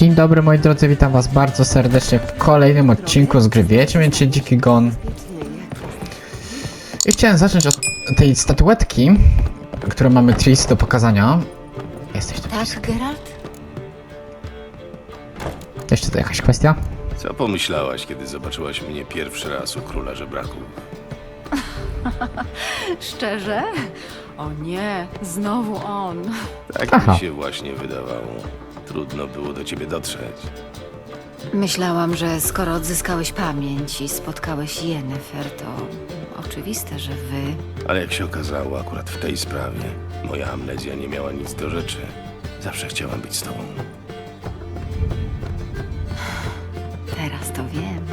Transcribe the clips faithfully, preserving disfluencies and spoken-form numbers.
Dzień dobry moi drodzy, witam was bardzo serdecznie w kolejnym odcinku z gry Wiedźmin Dziki Gon. I chciałem zacząć od tej statuetki, którą mamy Tris do pokazania. Jesteś tu. Tak, Geralt? Jeszcze to jakaś kwestia? Co pomyślałaś, kiedy zobaczyłaś mnie pierwszy raz u króla żebraków? Szczerze? O nie, znowu on. Tak Aha. mi się właśnie wydawało. Trudno było do ciebie dotrzeć. Myślałam, że skoro odzyskałeś pamięć i spotkałeś Yennefer, to oczywiste, że wy... Ale jak się okazało, akurat w tej sprawie moja amnezja nie miała nic do rzeczy. Zawsze chciałam być z tobą. Teraz to wiem.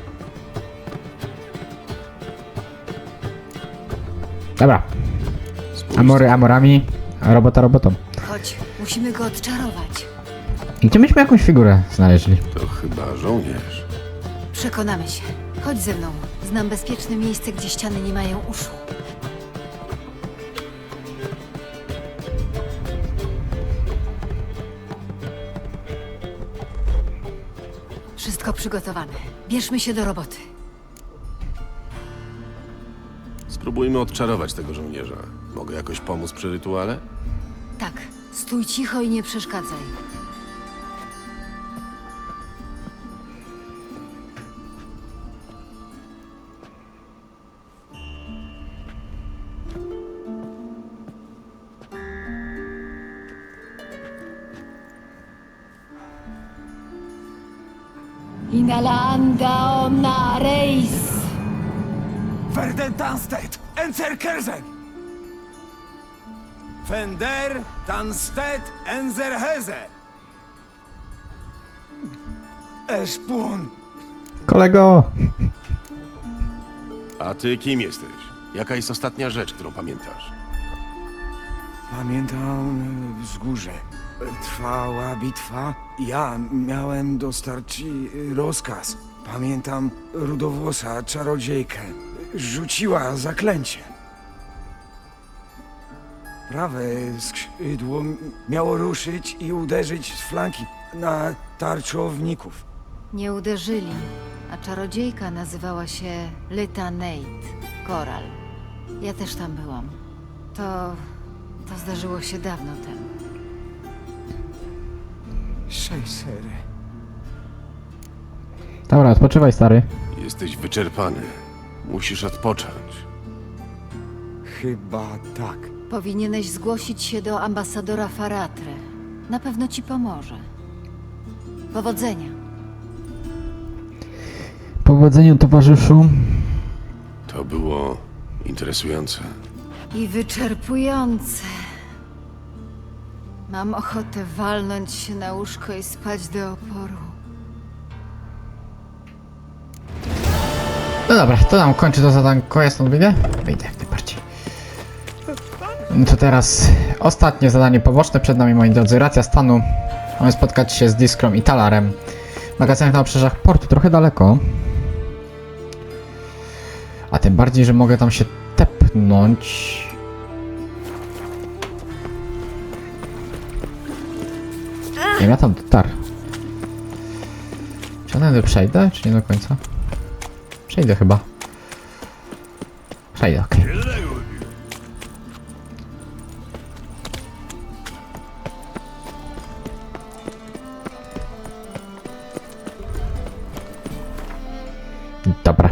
Dobra, Spójrz, amory amorami, a robota robotą. Chodź, musimy go odczarować. I gdzie myśmy jakąś figurę znaleźli? to chyba żołnierz. Przekonamy się. Chodź ze mną. Znam bezpieczne miejsce, gdzie ściany nie mają uszu. Wszystko przygotowane. Bierzmy się do roboty. Spróbujmy odczarować tego żołnierza. Mogę jakoś pomóc przy rytuale? Tak, stój cicho i nie przeszkadzaj. Inalanda omna reis. Verden Tanstedt, Enzerkersen! Fender Tanstedt Enzerheze! Eszpun! Kolego! A ty kim jesteś? Jaka jest ostatnia rzecz, którą pamiętasz? Pamiętam e, wzgórze. E, Trwała bitwa. Ja miałem dostarczyć e, rozkaz. Pamiętam rudowłosa czarodziejkę. Rzuciła zaklęcie. Prawe skrzydło miało ruszyć i uderzyć z flanki na tarczowników. Nie uderzyli, a czarodziejka nazywała się Lyta Nate, Koral. Ja też tam byłam. To... to zdarzyło się dawno temu. Szejsery. Dobra, odpoczywaj stary. Jesteś wyczerpany. Musisz odpocząć. Chyba tak. Powinieneś zgłosić się do ambasadora Faratre. Na pewno ci pomoże. Powodzenia. Powodzeniu towarzyszu. To było interesujące. I wyczerpujące. Mam ochotę walnąć się na łóżko i spać do oporu. No dobra, to nam kończy to zadanko, ja stąd wyjdę? Wyjdę jak najbardziej. No to teraz ostatnie zadanie poboczne przed nami, moi drodzy. Racja stanu. Mamy spotkać się z Diskrą i Talarem. W magazynach na obrzeżach portu, trochę daleko. A tym bardziej, że mogę tam się tepnąć. Nie wiem, ja tam dotarł. Czy ja przejdę, czy nie do końca? Przejdę chyba. Przejdę, okej. Okay. Dobra.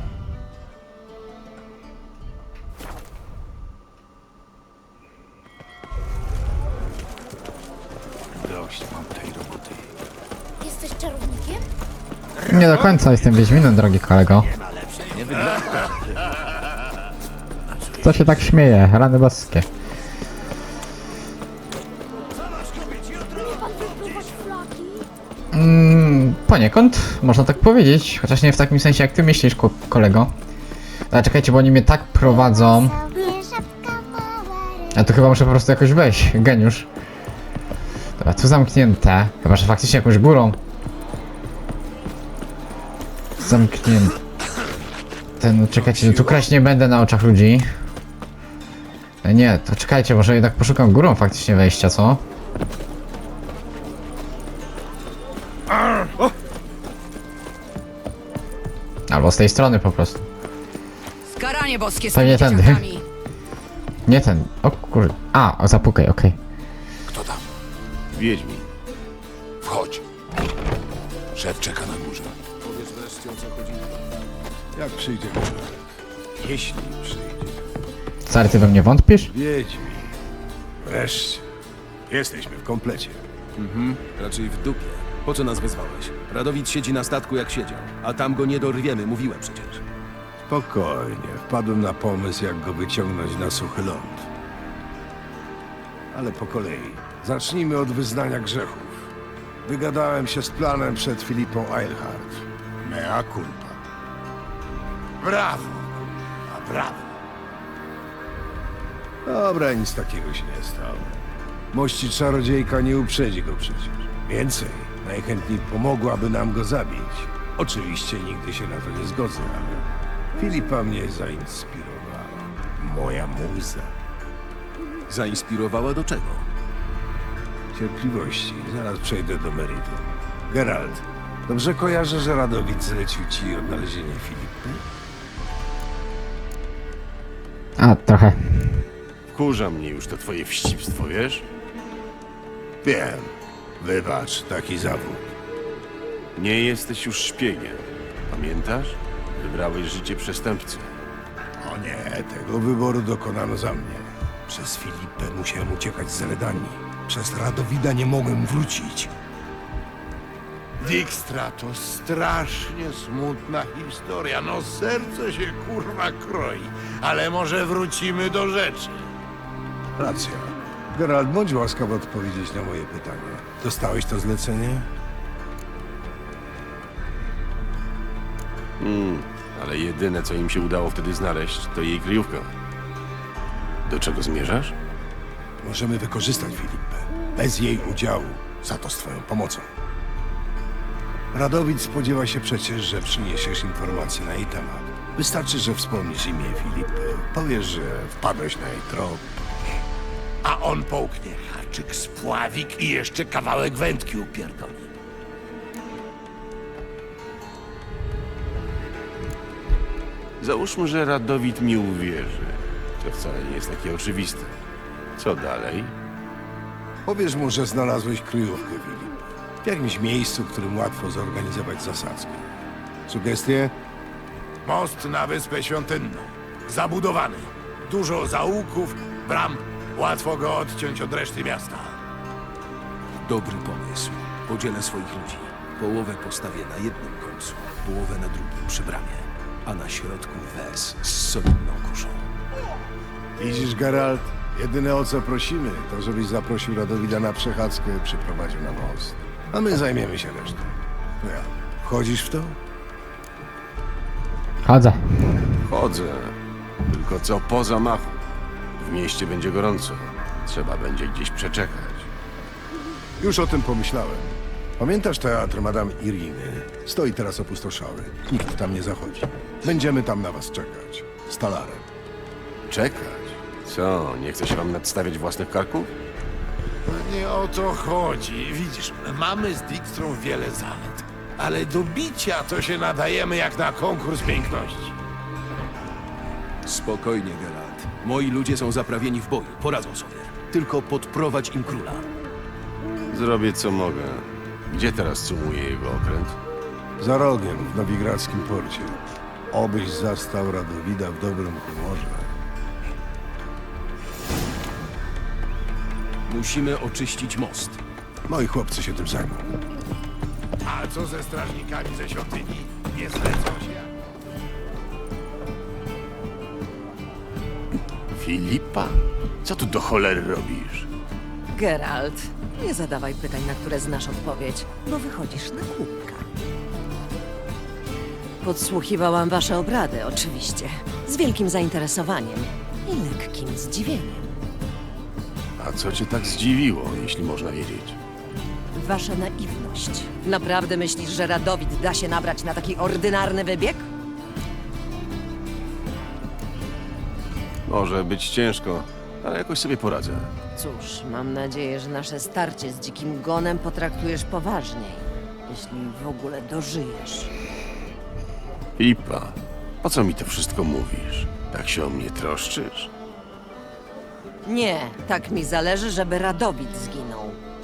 Dość mam tej roboty. Jesteś czarownikiem? Nie do końca jestem Wiedźminem, drogi kolego. Co się tak śmieje? Rany boskie. Umie pan wypływać flaki? Mm, poniekąd, można tak powiedzieć. Chociaż nie w takim sensie, jak ty myślisz, ko kolego. Ale czekajcie, bo oni mnie tak prowadzą. Ja tu chyba muszę po prostu jakoś wejść. Geniusz. Dobra, tu zamknięte. Chyba, że faktycznie jakąś górą. Zamknięte. No czekajcie, no tu kraść nie będę na oczach ludzi. E, Nie, to czekajcie, może jednak poszukam górą faktycznie wejścia, co? Albo z tej strony po prostu. Skaranie boskie z To nie tymi tędy. dzieciakami. Nie ten. O kurde. A, o, zapukaj, okej. Kto tam? Wiedźmin. Wchodź. Szef czeka na górze. Powiedz wreszcie, o co chodzi. Jak przyjdzie górze? Jeśli przyjdzie. Stary, ty we mnie wątpisz? Wiedźmi. Wreszcie. Jesteśmy w komplecie. Mhm, raczej w dupie. Po co nas wezwałeś? Radowid siedzi na statku jak siedział, a tam go nie dorwiemy, mówiłem przecież. Spokojnie. Wpadłem na pomysł, jak go wyciągnąć na suchy ląd. Ale po kolei. Zacznijmy od wyznania grzechów. Wygadałem się z planem przed Filipą Eilhart. Mea culpa. Brawo! A brawo! Dobra, nic takiego się nie stało. Mości czarodziejka nie uprzedzi go przecież. Więcej, najchętniej pomogłaby nam go zabić. Oczywiście nigdy się na to nie zgodzę, ale Filipa mnie zainspirowała. Moja muza. Zainspirowała do czego? Cierpliwości, zaraz przejdę do meritum. Geralt, dobrze kojarzę, że Radowid zlecił ci odnalezienie Filipy? A, trochę. Wkurza mnie już to twoje wścibstwo, wiesz? Wiem. Wybacz, taki zawód. Nie jesteś już szpiegiem. Pamiętasz? Wybrałeś życie przestępcy. O nie, tego wyboru dokonano za mnie. Przez Filipę musiałem uciekać z Redanii. Przez Radowida nie mogłem wrócić. Dijkstra to strasznie smutna historia. No serce się kurwa kroi. Ale może wrócimy do rzeczy. Racja. Geralt, bądź łaskaw odpowiedzieć na moje pytanie. Dostałeś to zlecenie? Hmm, ale jedyne, co im się udało wtedy znaleźć, to jej kryjówka. Do czego zmierzasz? Możemy wykorzystać Filipę. Bez jej udziału. Za to z twoją pomocą. Radowid spodziewa się przecież, że przyniesiesz informacje na jej temat. Wystarczy, że wspomnisz imię Filipy. Powiesz, że wpadłeś na jej trop. A on połknie haczyk, spławik i jeszcze kawałek wędki upierdoli. Załóżmy, że Radowid mi uwierzy. To wcale nie jest takie oczywiste. Co dalej? Powiesz mu, że znalazłeś kryjówkę Filipy. W jakimś miejscu, w którym łatwo zorganizować zasadzkę. Sugestie? Most na Wyspę Świątynną. Zabudowany. Dużo zaułków, bram. Łatwo go odciąć od reszty miasta. Dobry pomysł. Podzielę swoich ludzi. Połowę postawię na jednym końcu, połowę na drugim przy bramie, a na środku wes z solidną kuszą. Widzisz, Geralt? Jedyne o co prosimy, to żebyś zaprosił Radowida na przechadzkę i przyprowadził na most. A my zajmiemy się resztą. No ja. Wchodzisz w to? Chodzę. Chodzę. Tylko co po zamachu. W mieście będzie gorąco. Trzeba będzie gdzieś przeczekać. Już o tym pomyślałem. Pamiętasz teatr Madame Iriny? Stoi teraz opustoszały. Nikt tam nie zachodzi. Będziemy tam na was czekać. Z talarem. Czekać? Co, nie chce się wam nadstawiać własnych karków? No nie o to chodzi. Widzisz, mamy z Dijkstrą wiele zalet. Ale do bicia to się nadajemy jak na konkurs piękności. Spokojnie, Geralt. Moi ludzie są zaprawieni w boju, poradzą sobie. Tylko podprowadź im króla. Zrobię co mogę. Gdzie teraz sumuje jego okręt? Za rogiem, w nowigradzkim porcie. Obyś zastał Radowida w dobrym humorze. Musimy oczyścić most. Moi chłopcy się tym zajmą. A co ze strażnikami ze świątyni? Nie zlecą się. Filipa? Co tu do cholery robisz? Geralt, nie zadawaj pytań, na które znasz odpowiedź, bo wychodzisz na kubka. Podsłuchiwałam wasze obrady, oczywiście. Z wielkim zainteresowaniem i lekkim zdziwieniem. A co cię tak zdziwiło, jeśli można wiedzieć? Wasza naiwność. Naprawdę myślisz, że Radowid da się nabrać na taki ordynarny wybieg? Może być ciężko, ale jakoś sobie poradzę. Cóż, mam nadzieję, że nasze starcie z dzikim gonem potraktujesz poważniej. Jeśli w ogóle dożyjesz. Filipa, po co mi to wszystko mówisz? Tak się o mnie troszczysz? Nie, tak mi zależy, żeby Radowid zginął.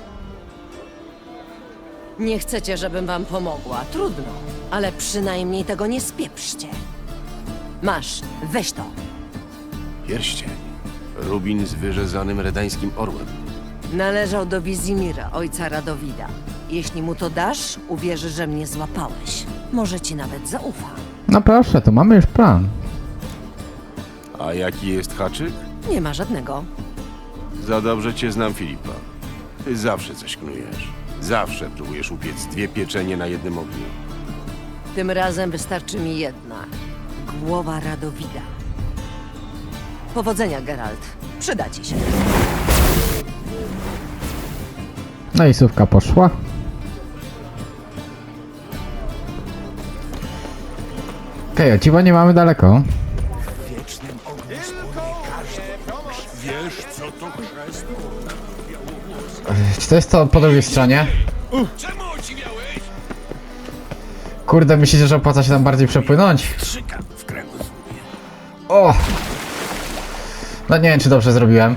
Nie chcecie, żebym wam pomogła. Trudno, ale przynajmniej tego nie spieprzcie. Masz, weź to. Pierścień. Rubin z wyrzezanym redańskim orłem. Należał do Wizimira, ojca Radowida. Jeśli mu to dasz, uwierzy, że mnie złapałeś. Może ci nawet zaufa. No proszę, to mamy już plan. A jaki jest haczyk? Nie ma żadnego. Za dobrze cię znam, Filipa. Ty zawsze coś knujesz. Zawsze próbujesz upiec dwie pieczenie na jednym ogniu. Tym razem wystarczy mi jedna. Głowa Radowida. Powodzenia, Geralt. Przyda ci się. No i słówka poszła. Okej, okay, o dziwo nie mamy daleko. Wiesz, co to chrzest? Czy to jest to po drugiej stronie? Czemu ociwiałeś? Kurde, myślicie, że opłaca się tam bardziej przepłynąć? Trzyka w kręgosłupie. O! No nie wiem, czy dobrze zrobiłem.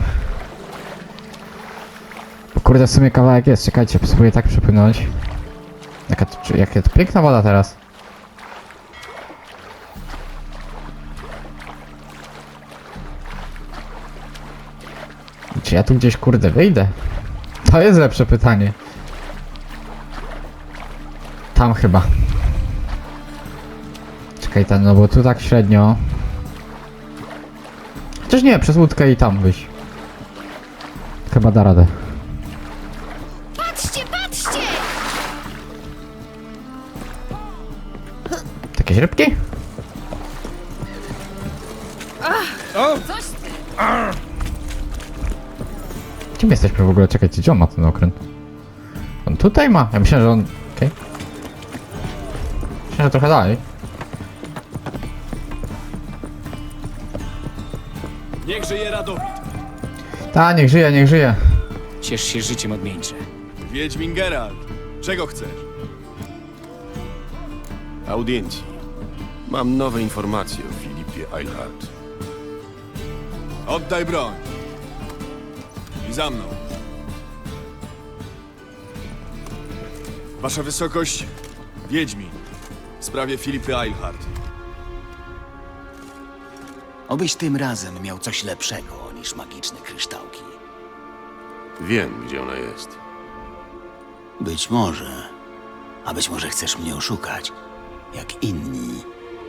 Kurde, w sumie kawałek jest. Czekajcie, spróbuję tak przepłynąć. Jaka to, czy, jaka to piękna woda teraz. Czy ja tu gdzieś, kurde, wyjdę? To jest lepsze pytanie. Tam chyba. Czekaj, tam, no bo tu tak średnio. Chociaż nie, przez łódkę i tam wyjść. Chyba da radę. Patrzcie, patrzcie! Jakieś rybki? Coś ty... Gdzie my jesteśmy w ogóle? Czekajcie, gdzie on ma ten okręt? On tutaj ma? Ja myślałem, że on... Okej. Okay. Myślałem, że trochę dalej. Niech żyje Radowid. Ta, niech żyje, niech żyje. Ciesz się życiem odmieńcze. Wiedźmin Geralt. Czego chcesz? Audiencji. Mam nowe informacje o Filipie Eilhart. Oddaj broń. I za mną. Wasza wysokość, Wiedźmin. W sprawie Filipy Eilhart. Obyś tym razem miał coś lepszego niż magiczne kryształki. Wiem, gdzie ona jest. Być może. A być może chcesz mnie oszukać, jak inni.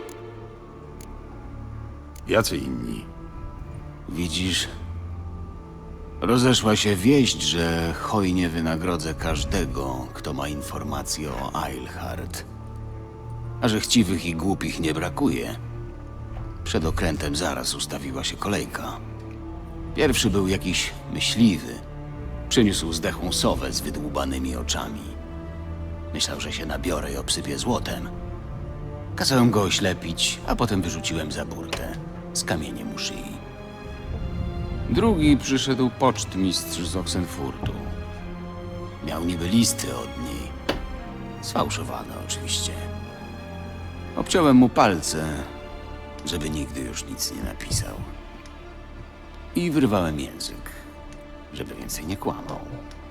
Jacy inni? Widzisz? Rozeszła się wieść, że hojnie wynagrodzę każdego, kto ma informacje o Eilhart. A że chciwych i głupich nie brakuje. Przed okrętem zaraz ustawiła się kolejka. Pierwszy był jakiś myśliwy. Przyniósł zdechłą sowę z wydłubanymi oczami. Myślał, że się nabiorę i obsypię złotem. Kazałem go oślepić, a potem wyrzuciłem za burtę z kamieniem u szyi. Drugi przyszedł pocztmistrz z Oxenfurtu. Miał niby listy od niej. Sfałszowane oczywiście. Obciąłem mu palce, żeby nigdy już nic nie napisał. I wyrwałem język, żeby więcej nie kłamał.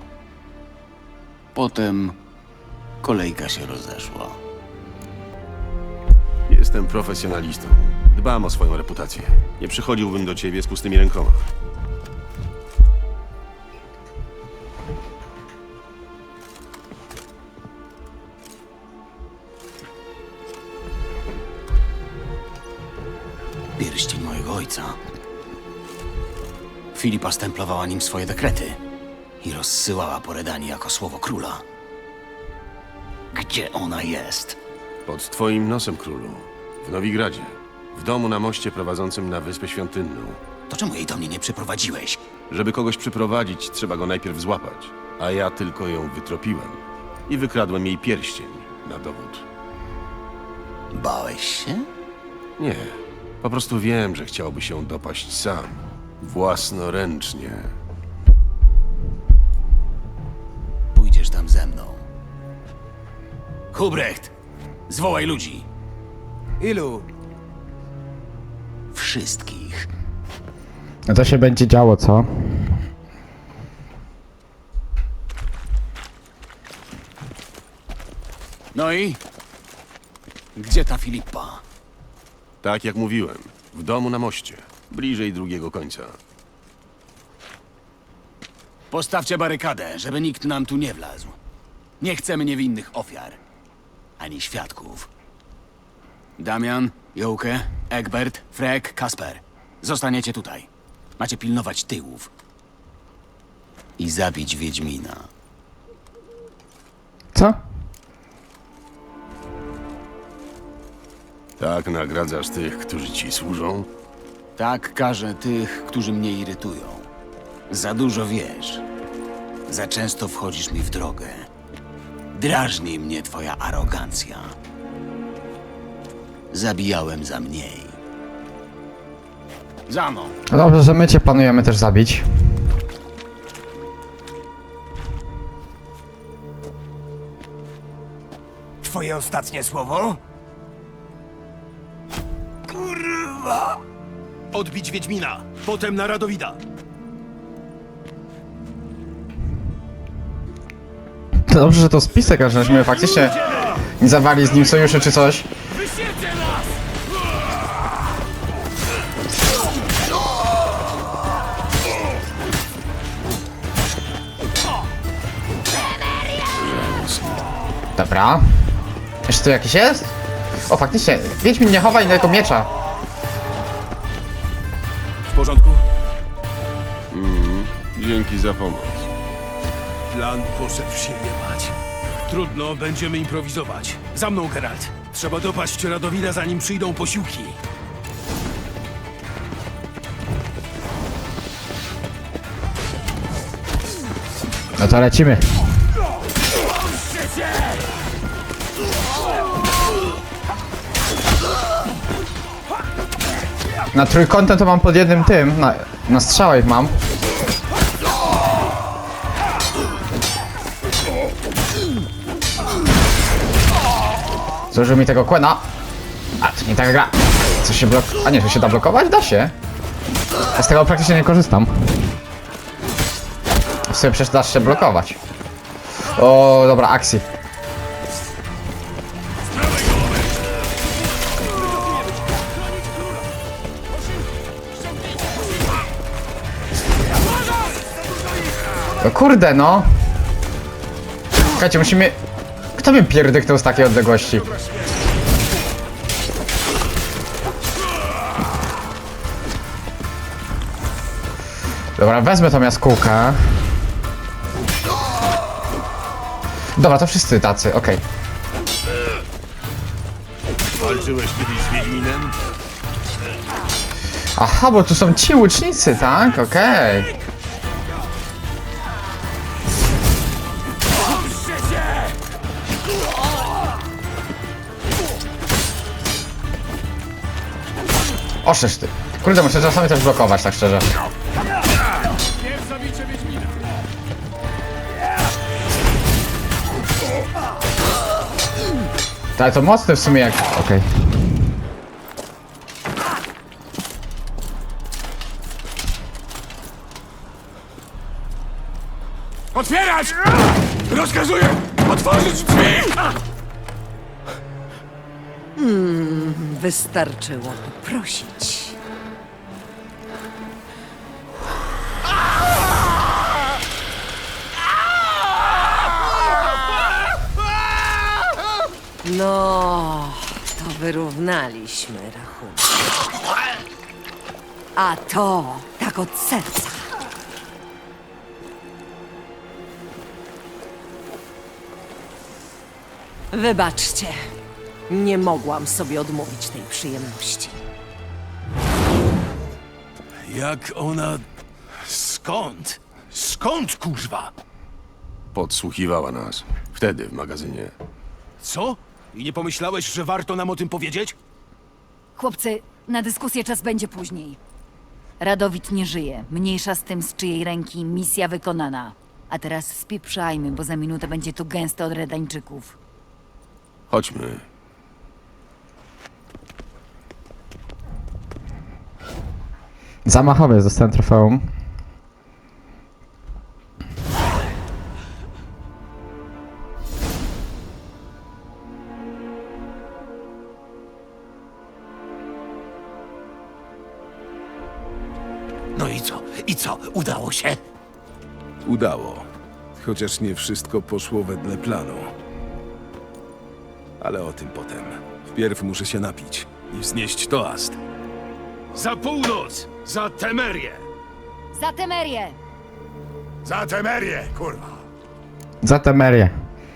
Potem kolejka się rozeszła. Jestem profesjonalistą. Dbam o swoją reputację. Nie przychodziłbym do ciebie z pustymi rękoma. Pierścień mojego ojca. Filipa stemplowała nim swoje dekrety i rozsyłała po Redanii jako słowo króla. Gdzie ona jest? Pod twoim nosem, królu. W Nowigradzie. W domu na moście prowadzącym na Wyspę Świątynną. To czemu jej do mnie nie przyprowadziłeś? Żeby kogoś przyprowadzić, trzeba go najpierw złapać. A ja tylko ją wytropiłem. I wykradłem jej pierścień na dowód. Bałeś się? Nie. Po prostu wiem, że chciałby się dopaść sam. Własnoręcznie. Pójdziesz tam ze mną. Hubrecht, zwołaj ludzi. Ilu? Wszystkich. No to się będzie działo, co? No i? Gdzie ta Filipa? Tak jak mówiłem, w domu na moście, bliżej drugiego końca. Postawcie barykadę, żeby nikt nam tu nie wlazł. Nie chcemy niewinnych ofiar. Ani świadków. Damian, Jołkę, Egbert, Frek, Kasper. Zostaniecie tutaj. Macie pilnować tyłów. I zabić Wiedźmina. Co? Tak nagradzasz tych, którzy ci służą? Tak karzę tych, którzy mnie irytują. Za dużo wiesz. Za często wchodzisz mi w drogę. Drażni mnie twoja arogancja. Zabijałem za mniej. Za mną. No dobrze, że my cię planujemy też zabić. Twoje ostatnie słowo? Kurwa! Odbić Wiedźmina, potem na Radowida. To dobrze, że to spisek, a żeśmy faktycznie nie zawali z nim sojuszy czy coś. Dobra. Jeszcze tu jakiś jest? O, faktycznie. Wiedźmin nie chowa innego miecza. W porządku? Dzięki za pomoc. Plan poszedł się jebać. Trudno, będziemy improwizować. Za mną, Geralt. Trzeba dopaść Radowida, zanim przyjdą posiłki. No to lecimy. Na trójkątem to mam pod jednym tym, na, na strzałach mam. Zużył mi tego kłena. A, to nie taka gra. Co się blok... A nie, że się da blokować? Da się. Ja z tego praktycznie nie korzystam. W sumie przecież dasz się blokować. O, dobra, akcji. O kurde, no. Słuchajcie, musimy... Kto mnie pierdyknął z takiej odległości? Dobra, wezmę tą jaskółkę. Dobra, to wszyscy tacy, okej. Walczyłeś kiedyś z Wiedźminem? Aha, bo tu są ci łucznicy, tak? Okej. Oszesz ty. Kurde, muszę czasami też blokować, tak szczerze. Ale to mocne w sumie jak... Okej. Otwierać! Rozkazuję otworzyć drzwi! Wystarczyło poprosić. No, to wyrównaliśmy rachunek. A to tak od serca. Wybaczcie, nie mogłam sobie odmówić tej przyjemności. Jak ona... Skąd? Skąd, kurwa? Podsłuchiwała nas. Wtedy w magazynie. Co? I nie pomyślałeś, że warto nam o tym powiedzieć? Chłopcy, na dyskusję czas będzie później. Radowid nie żyje. Mniejsza z tym, z czyjej ręki misja wykonana. A teraz spieprzajmy, bo za minutę będzie tu gęsto od Redańczyków. Chodźmy. Zamachowiec, dostałem trofeum. No i co? I co? Udało się? Udało. Chociaż nie wszystko poszło wedle planu. Ale o tym potem. Wpierw muszę się napić i wznieść toast. Za północ! Za Temerię! Za Temerię! Za Temerię, kurwa! Za Temerię.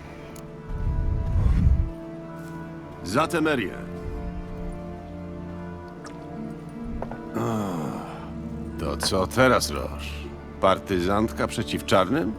Za Temerię. To co teraz, Roż? Partyzantka przeciw czarnym?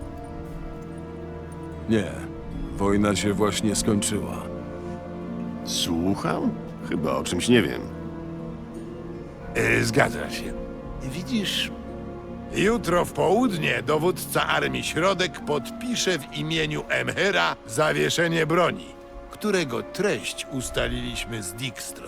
Nie. Wojna się właśnie skończyła. Słucham? Chyba o czymś nie wiem. Yy, zgadza się. Widzisz, jutro w południe dowódca Armii Środek podpisze w imieniu Emhyra zawieszenie broni, którego treść ustaliliśmy z Dijkstrą.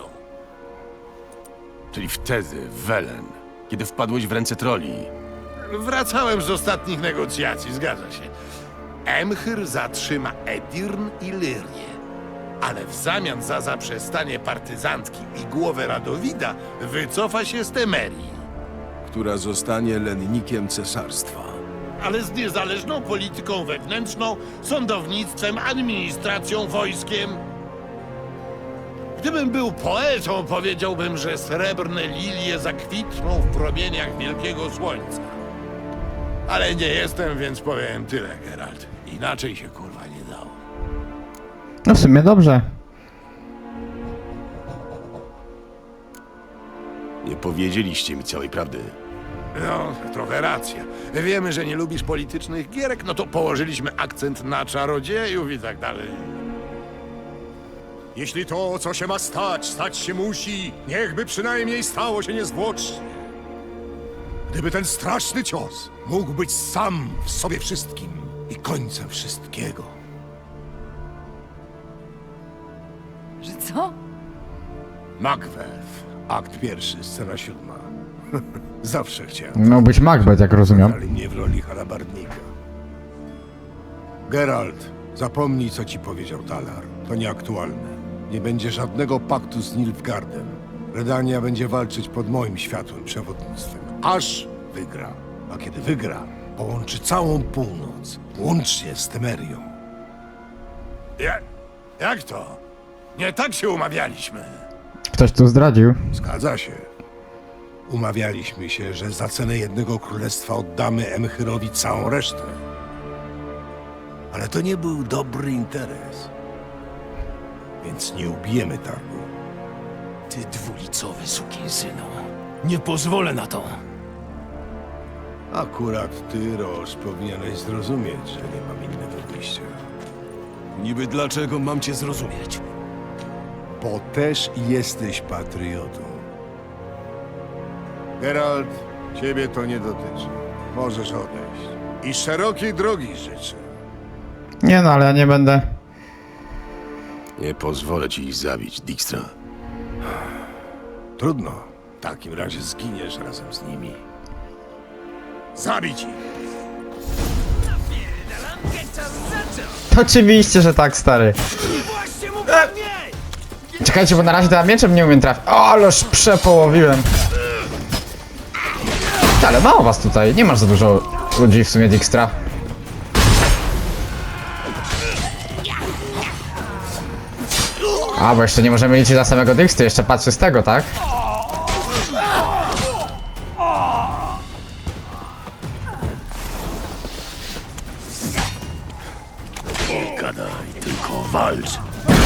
Czyli wtedy, w Welen, kiedy wpadłeś w ręce troli. Wracałem z ostatnich negocjacji, zgadza się. Emhyr zatrzyma Edirn i Lyrię, ale w zamian za zaprzestanie partyzantki i głowę Radowida wycofa się z Temerii. Która zostanie lennikiem cesarstwa. Ale z niezależną polityką wewnętrzną, sądownictwem, administracją, wojskiem. Gdybym był poetą, powiedziałbym, że srebrne lilie zakwitną w promieniach wielkiego słońca. Ale nie jestem, więc powiem tyle, Geralt. Inaczej się kurwa nie dało. No w sumie dobrze. Nie powiedzieliście mi całej prawdy. No, trochę racja. Wiemy, że nie lubisz politycznych gierek, no to położyliśmy akcent na czarodziejów i tak dalej. Jeśli to, co się ma stać, stać się musi, niechby przynajmniej stało się niezwłocznie. Gdyby ten straszny cios mógł być sam w sobie wszystkim i końcem wszystkiego. Że co? Macbeth. Akt pierwszy, scena siódma. Zawsze chciałem. Miał być Macbeth, jak rozumiem. Ale mnie w roli halabardnika. Geralt, zapomnij, co ci powiedział Talar. To nieaktualne. Nie będzie żadnego paktu z Nilfgaardem. Redania będzie walczyć pod moim światłym przewodnictwem. Aż wygra. A kiedy wygra, połączy całą północ. Łącznie z Temerią. Ja, jak to? Nie tak się umawialiśmy. Ktoś tu zdradził. Zgadza się. Umawialiśmy się, że za cenę jednego królestwa oddamy Emchyrowi całą resztę. Ale to nie był dobry interes. Więc nie ubijemy targu. Ty dwulicowy sukinsynu. Nie pozwolę na to. Akurat ty, Roż, powinieneś zrozumieć, że nie mam innego wyjścia. Niby dlaczego mam cię zrozumieć? Bo też jesteś patriotą. Geralt, ciebie to nie dotyczy. Możesz odejść. I szerokiej drogi życzę. Nie no, ale ja nie będę. Nie pozwolę ci ich zabić, Dijkstra. Trudno. W takim razie zginiesz razem z nimi. Zabić ich! To oczywiście, że tak, stary. Czekajcie, bo na razie to ja mieczem nie umiem trafić. O, ależ przepołowiłem. Ale mało was tutaj, nie masz za dużo ludzi w sumie, Dijkstra. A, bo jeszcze nie możemy liczyć na samego Dijkstry, jeszcze patrzy z tego, tak? Nie gadaj, tylko walcz.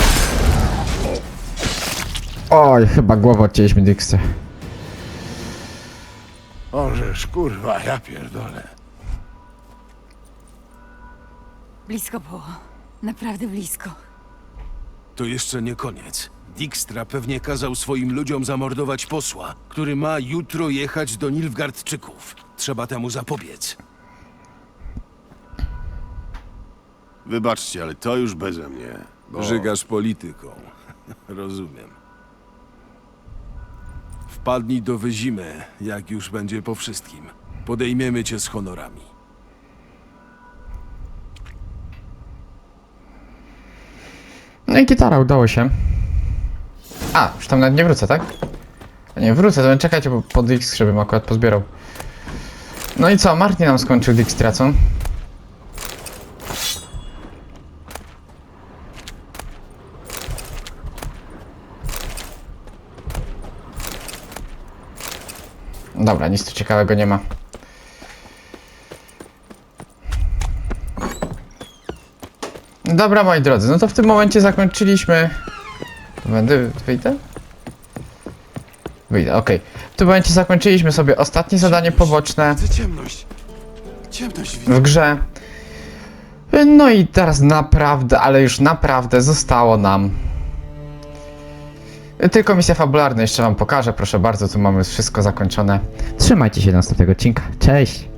Oj, chyba głowę odcięliśmy Dijkstrze. Ożeż, kurwa, ja pierdolę. Blisko było. Naprawdę blisko. To jeszcze nie koniec. Dijkstra pewnie kazał swoim ludziom zamordować posła, który ma jutro jechać do Nilfgaardczyków. Trzeba temu zapobiec. Wybaczcie, ale to już beze mnie. Bo... Żygasz polityką. Rozumiem. W Wpadnij do Wyzimy, jak już będzie po wszystkim. Podejmiemy cię z honorami. No i gitara, udało się. A, już tam nawet nie wrócę, tak? Nie wrócę, to czekajcie, bo po Dix, żebym akurat pozbierał. No i co, Martin nam skończył Dix tracą. Dobra, nic tu ciekawego nie ma. Dobra, moi drodzy, no to w tym momencie zakończyliśmy... Będę... wyjdę? Wyjdę, okej. W tym momencie zakończyliśmy sobie ostatnie zadanie poboczne Widzę ciemność. Ciemność widzę. w grze. No i teraz naprawdę, ale już naprawdę zostało nam tylko misja fabularna, jeszcze wam pokażę, proszę bardzo, tu mamy wszystko zakończone. Trzymajcie się do następnego odcinka, cześć!